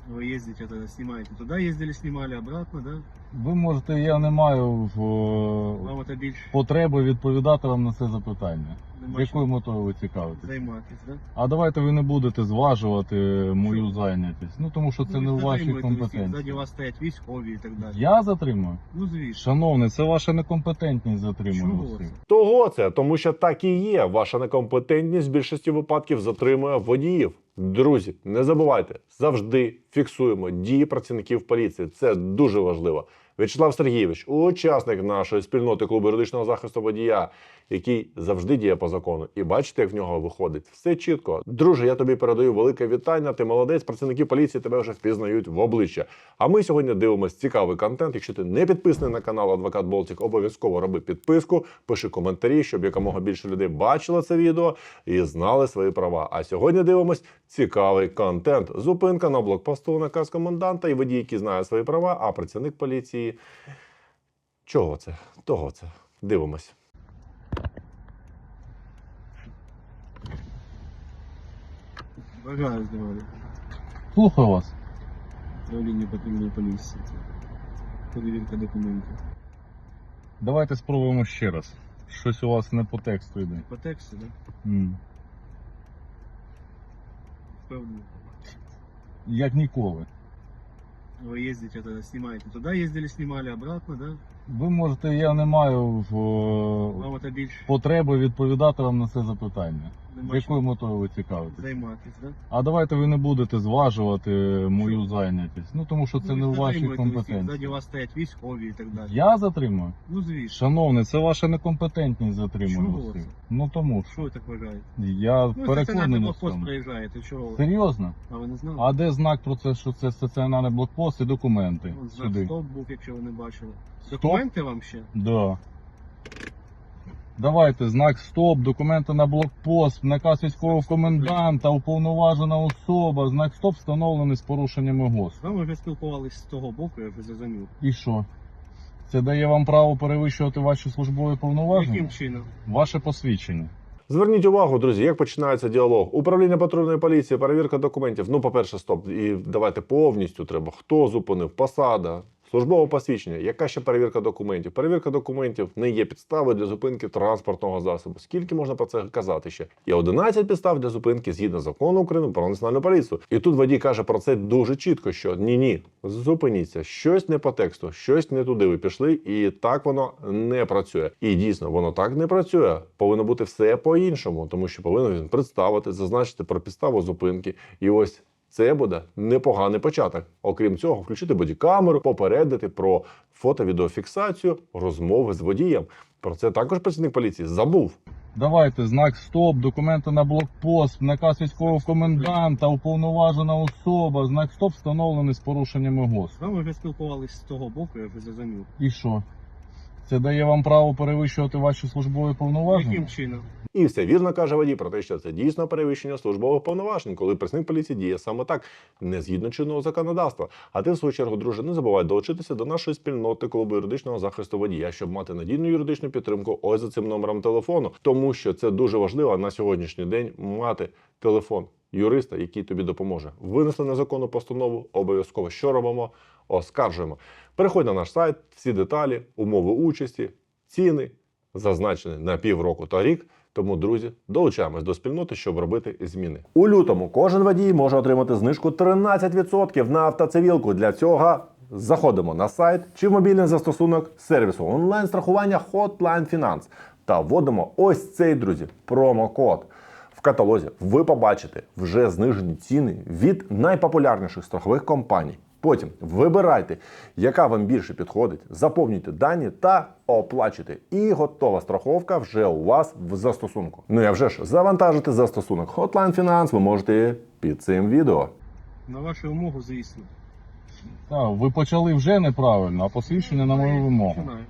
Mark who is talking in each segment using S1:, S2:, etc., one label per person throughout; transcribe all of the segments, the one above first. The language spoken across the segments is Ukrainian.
S1: Вы ездите, тогда снимаете. Туда ездили, снимали, обратно, да?
S2: Ви можете, я не маю
S1: Вам это більше
S2: потреби відповідати вам на це запитання.
S1: нема
S2: Якою
S1: чим
S2: метою ви цікавитесь?
S1: займатись, да?
S2: А давайте ви не будете зважувати мою зайнятість. Ну тому що це
S1: Ну,
S2: не
S1: ви
S2: в вашій
S1: затримуєте, ззаді
S2: компетенції.
S1: вас стоять військові і так далі.
S2: Я затримую?
S1: Ну, звісно.
S2: Шановний, це ваша некомпетентність затримує
S1: Чого
S2: усіх.
S1: це?
S3: Того це, тому що так і є. Ваша некомпетентність в більшості випадків затримує водіїв. Друзі, не забувайте, завжди фіксуємо дії працівників поліції. Це дуже важливо. В'ячеслав Сергійович, учасник нашої спільноти клубу юридичного захисту водія, який завжди діє по закону. І бачите, як в нього виходить. Все чітко. Друже, я тобі передаю велике вітання. Ти молодець, працівники поліції тебе вже впізнають в обличчя. А ми сьогодні дивимося цікавий контент. Якщо ти не підписаний на канал Адвокат Болтик, обов'язково роби підписку, пиши коментарі, щоб якомога більше людей бачило це відео і знали свої права. А сьогодні дивимось цікавий контент. Зупинка на блокпосту, наказ коменданта і водій, який знає свої права, а працівник поліції... Чого це? Того це. Дивимось.
S1: Бажаю здоров'я.
S2: Слухаю вас.
S1: Управління патрульної поліції. Перевірка документів.
S2: Давайте спробуємо ще раз. Щось у вас не по тексту йде.
S1: По тексту, да? Впевнений.
S2: Як ніколи.
S1: Вы ездите, тогда снимаете. Туда ездили, снимали, обратно, да?
S2: Ви можете, я не маю
S1: Вам это більше
S2: потреби відповідати вам на це запитання.
S1: нема
S2: Якою
S1: чим
S2: метою ви цікавитесь?
S1: займатись, да?
S2: А давайте ви не будете зважувати мою зайнятість. Ну тому що це
S1: Ну,
S2: не в
S1: ви
S2: вашій
S1: затримуєте усіх, ззаді
S2: компетенції.
S1: вас стоять військові і так далі.
S2: Я затримую?
S1: Ну, звісно.
S2: Шановний, це ваша некомпетентність затримує
S1: Чого
S2: усіх.
S1: це?
S2: Ну тому
S1: Що ви так вважаєте?
S2: я
S1: Ну, стаціонарний
S2: переконаний в
S1: блокпост
S2: цьому.
S1: проїжджаєте, чого ви?
S2: Серйозно?
S1: А ви не знали?
S2: А де знак про це, що це стаціонарний блокпост і документи?
S1: От знак
S2: Сюди.
S1: стоп був, якщо ви не бачили.
S2: Стоп?
S1: Документи вам ще?
S2: Да. Давайте знак стоп, документи на блокпост, наказ військового коменданта, уповноважена особа. Знак стоп встановлений з порушеннями ГОСТ.
S1: З вами вже спілкувались з того боку, я вже зрозумів.
S2: І що? Це дає вам право перевищувати ваші службові повноваження?
S1: Яким чином?
S2: Ваше посвідчення.
S3: Зверніть увагу, друзі, як починається діалог. Управління патрульної поліції, перевірка документів. Ну, по-перше, стоп. І давайте повністю треба. Хто зупинив? Посада. Службове посвідчення. Яка ще перевірка документів? Перевірка документів не є підставою для зупинки транспортного засобу. Скільки можна про це казати ще? Є 11 підстав для зупинки згідно закону України про національну поліцію. І тут водій каже про це дуже чітко, що ні-ні, зупиніться, щось не по тексту, щось не туди ви пішли, і так воно не працює. І дійсно, воно так не працює. Повинно бути все по-іншому, тому що повинен він представити, зазначити про підставу зупинки. І ось це буде непоганий початок. Окрім цього, включити бодікамеру, попередити про фото-відеофіксацію розмови з водієм. Про це також працівник поліції забув.
S2: Давайте знак стоп, документи на блокпост, наказ військового коменданта, уповноважена особа. Знак стоп встановлений з порушеннями ГОСТ.
S1: З вами вже спілкувались з того боку, я вже зрозумів.
S2: І що? Це дає вам право перевищувати ваші службові повноваження?
S1: Яким чином?
S3: І все вірно каже водій про те, що це дійсно перевищення службових повноважень, коли працівник поліції діє саме так, не згідно чинного законодавства. А ти, в свою чергу, друже, не забувай долучитися до нашої спільноти клубу юридичного захисту водія, щоб мати надійну юридичну підтримку ось за цим номером телефону. Тому що це дуже важливо на сьогоднішній день мати телефон юриста, який тобі допоможе. Винесли незаконну постанову, обов'язково що робимо? Оскаржуємо. Переходь на наш сайт, всі деталі, умови участі, ціни, зазначені на півроку та рік. Тому, друзі, долучаємось до спільноти, щоб робити зміни. У лютому кожен водій може отримати знижку 13% на автоцивілку. Для цього заходимо на сайт чи в мобільний застосунок сервісу онлайн-страхування Hotline Finance та вводимо ось цей, друзі, промокод. В каталозі ви побачите вже знижені ціни від найпопулярніших страхових компаній. Потім вибирайте, яка вам більше підходить, заповнюйте дані та оплачуйте. І готова страховка вже у вас в застосунку. Ну і вже ж завантажити застосунок Hotline Finance ви можете під цим відео.
S1: На вашу вимогу, звісно.
S2: Так, ви почали вже неправильно, а посвідчення на мою вимогу.
S1: Починаю.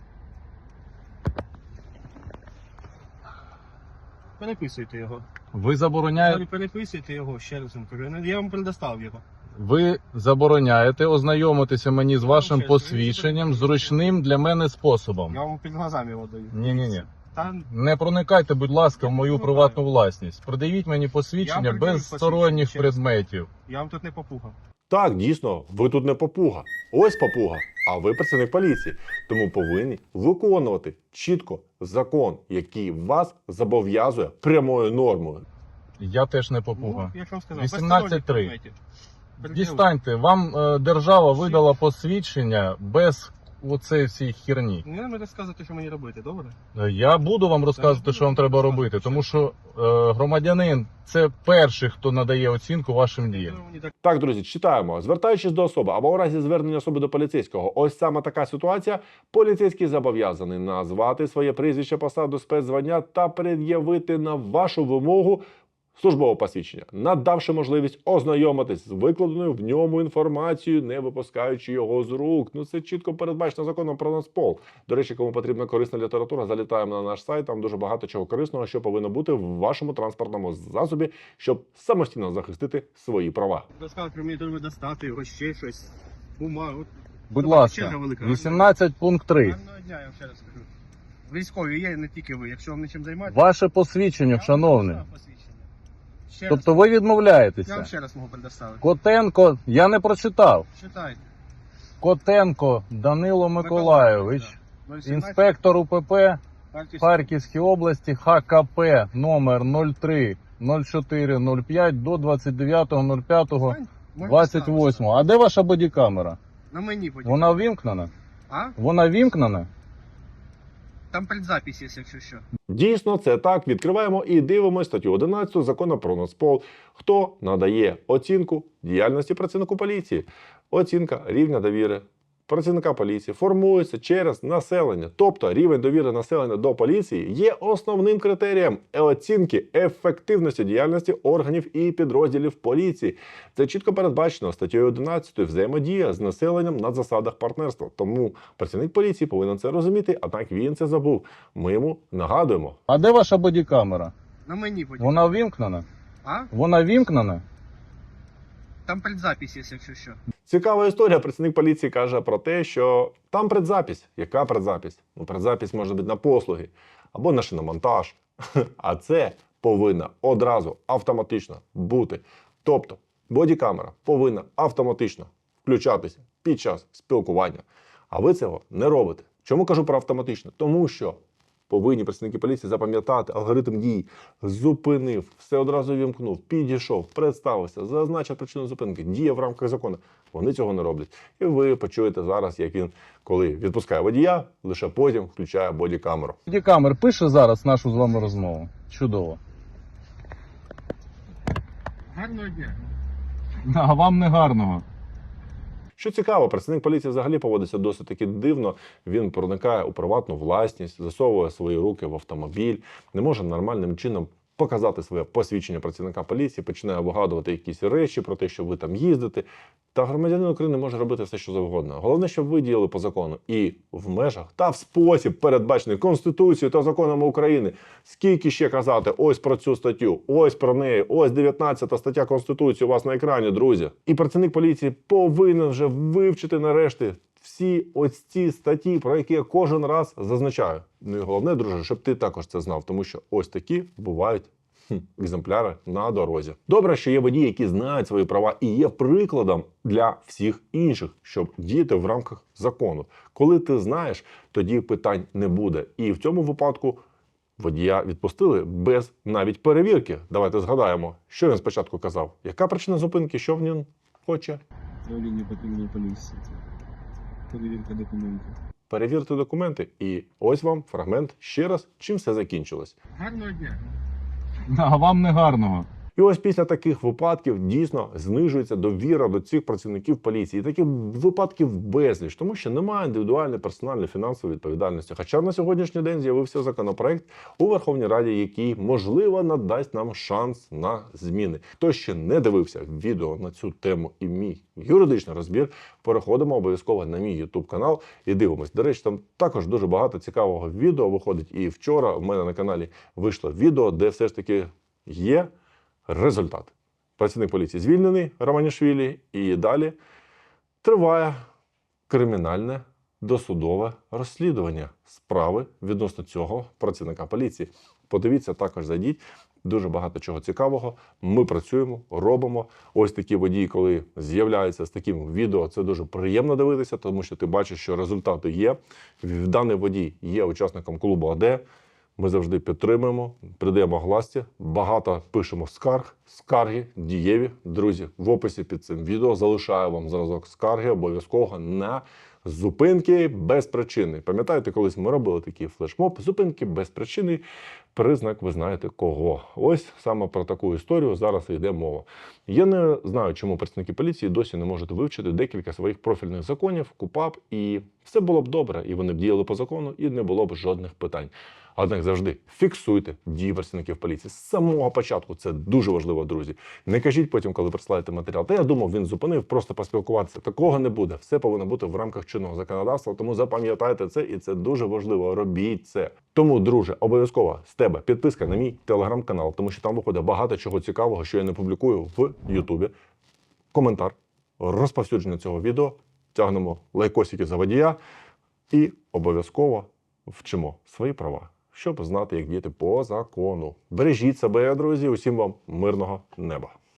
S1: Переписуйте його.
S2: Ви забороняєте,
S1: Переписуйте його, ще раз вам кажу. Я вам предоставив його.
S2: ви забороняєте ознайомитися мені з вашим посвідченням зручним для мене способом.
S1: Я вам під глазами його даю.
S2: Ні-ні-ні.
S1: Та,
S2: Не проникайте, будь ласка, в мою приватну власність. Придивіть мені посвідчення
S1: Я
S2: без
S1: пред'явив
S2: сторонніх
S1: посвідчення, чесно.
S2: предметів.
S1: я вам тут не попугав.
S3: Так, дійсно, ви тут не папуга. Ось папуга, а ви працівник поліції. Тому повинні виконувати чітко закон, який вас зобов'язує прямою нормою.
S2: Я теж не попуга.
S1: Ну, я ж вам сказав,
S2: 18.3. Дістаньте, вам держава видала посвідчення без оцеї всій херні.
S1: Не треба розказувати, що мені робити, добре?
S2: Я буду вам розказувати, що вам треба робити, тому що громадянин це перший, хто надає оцінку вашим діям.
S1: Мені так
S3: Так, друзі, читаємо. Звертаючись до особи або у разі звернення особи до поліцейського, ось саме така ситуація. Поліцейський зобов'язаний назвати своє прізвище, посаду, спецзвання та пред'явити на вашу вимогу службове посвідчення, надавши можливість ознайомитись з викладеною в ньому інформацією, не випускаючи його з рук. Ну, це чітко передбачено законом про Нацпол. До речі, кому потрібна корисна література, залітаємо на наш сайт, там дуже багато чого корисного, що повинно бути в вашому транспортному засобі, щоб самостійно захистити свої права.
S1: розказувати, що мені треба достати, його ще щось, бумагу.
S2: Будь
S1: Давайте,
S2: ласка,
S1: черга велика.
S2: 18 пункт 3.
S1: Гарного дня, я вам ще раз скажу. Військові є, не тільки ви. Якщо вам нічим займатися...
S2: Ваше посвідчення, шановний.
S1: Ще
S2: Тобто
S1: раз.
S2: ви
S1: Я вам
S2: відмовляєтеся.
S1: ще раз можу предоставити.
S2: Котенко, я не прочитав.
S1: Читайте.
S2: Котенко Данило Миколайович,
S1: да. 017,
S2: інспектор УПП
S1: Харківський.
S2: Харківській області, ХКП номер 03 04 05 до 29.05
S1: Можете
S2: 28.
S1: ставити.
S2: А де ваша бодікамера?
S1: На мені потім.
S2: Вона ввімкнена?
S1: А?
S2: Вона ввімкнена?
S1: Там предзапись є, якщо що.
S3: Дійсно, це так. Відкриваємо і дивимося статтю 11 закону про Нацпол. Хто надає оцінку діяльності працівнику поліції? Оцінка рівня довіри працівника поліції формується через населення. Тобто рівень довіри населення до поліції є основним критерієм оцінки ефективності діяльності органів і підрозділів поліції. Це чітко передбачено статтею 11 взаємодія з населенням на засадах партнерства. Тому працівник поліції повинен це розуміти, однак він це забув. Ми йому нагадуємо.
S2: А де ваша бодікамера?
S1: На мені потім.
S2: Вона ввімкнена?
S1: А?
S2: Вона ввімкнена?
S1: Там предзапись є, якщо що.
S3: Цікава історія. Працівник поліції каже про те, що там предзапись. Яка предзапись? Ну, предзапись може бути на послуги або на шиномонтаж. А це повинна одразу автоматично бути. Тобто бодікамера повинна автоматично включатися під час спілкування. А ви цього не робите. Чому кажу про автоматично? Тому що повинні працівники поліції запам'ятати алгоритм дій. Зупинив, все одразу вімкнув, підійшов, представився, зазначив причину зупинки, діє в рамках закону. Вони цього не роблять. І ви почуєте зараз, як він, коли відпускає водія, лише потім включає бодікамеру.
S2: Бодікамер пише зараз нашу з вами розмову. Чудово.
S1: Гарного дня.
S2: А вам не гарного.
S3: Що цікаво, працівник поліції взагалі поводиться досить таки дивно. Він проникає у приватну власність, засовує свої руки в автомобіль, не може нормальним чином показати своє посвідчення працівника поліції, починає вигадувати якісь речі про те, що ви там їздите. Та громадянин України може робити все, що завгодно. Головне, щоб ви діяли по закону і в межах та в спосіб, передбачений Конституцією та законами України. Скільки ще казати ось про цю статтю, ось про неї, ось 19 стаття Конституції у вас на екрані, друзі. І працівник поліції повинен вже вивчити нарешті всі ось ці статті, про які я кожен раз зазначаю. Ну і головне, друже, щоб ти також це знав, тому що ось такі бувають екземпляри на дорозі. Добре, що є водії, які знають свої права і є прикладом для всіх інших, щоб діяти в рамках закону. Коли ти знаєш, тоді питань не буде. І в цьому випадку водія відпустили без навіть перевірки. Давайте згадаємо, що він спочатку казав. Яка причина зупинки, що він хоче?
S1: Управління патрульної поліції. Перевірка документів.
S3: Перевірте документи. І ось вам фрагмент ще раз, чим все закінчилось.
S1: Гарного дня.
S2: А вам не гарного.
S3: І ось після таких випадків дійсно знижується довіра до цих працівників поліції. І таких випадків безліч, тому що немає індивідуальної персональної фінансової відповідальності. Хоча на сьогоднішній день з'явився законопроект у Верховній Раді, який, можливо, надасть нам шанс на зміни. Хто ще не дивився відео на цю тему і мій юридичний розбір, переходимо обов'язково на мій YouTube канал і дивимось. До речі, там також дуже багато цікавого відео виходить. І вчора в мене на каналі вийшло відео, де все ж таки є результат. Працівник поліції звільнений, Романішвілі, і далі триває кримінальне досудове розслідування справи відносно цього працівника поліції. Подивіться, також зайдіть. дуже багато чого цікавого. Ми працюємо, робимо. Ось такі водії, коли з'являються з таким відео, це дуже приємно дивитися, тому що ти бачиш, що результати є. Даний водій є учасником клубу АД. Ми завжди підтримуємо, придаємо гласті, багато пишемо скарги дієві. Друзі, в описі під цим відео залишаю вам зразок скарги обов'язково на зупинки без причини. Пам'ятаєте, колись ми робили такий флешмоб, зупинки без причини, признак ви знаєте кого. Ось саме про таку історію зараз йде мова. Я не знаю, чому працівники поліції досі не можуть вивчити декілька своїх профільних законів, КУпАП, і все було б добре, і вони б діяли по закону, і не було б жодних питань. Однак завжди фіксуйте дії працівників поліції з самого початку. Це дуже важливо, друзі. Не кажіть потім, коли присилаєте матеріал. Та я думав, він зупинив, просто поспілкуватися. Такого не буде. Все повинно бути в рамках чинного законодавства. Тому запам'ятайте це, і це дуже важливо. Робіть це. Тому, друже, обов'язково з тебе підписка на мій телеграм-канал, тому що там виходить багато чого цікавого, що я не публікую в Ютубі. Коментар, розповсюдження цього відео, тягнемо лайкосики за водія і обов'язково вчимо свої права, щоб знати, як діяти по закону. Бережіть себе, друзі, усім вам мирного неба.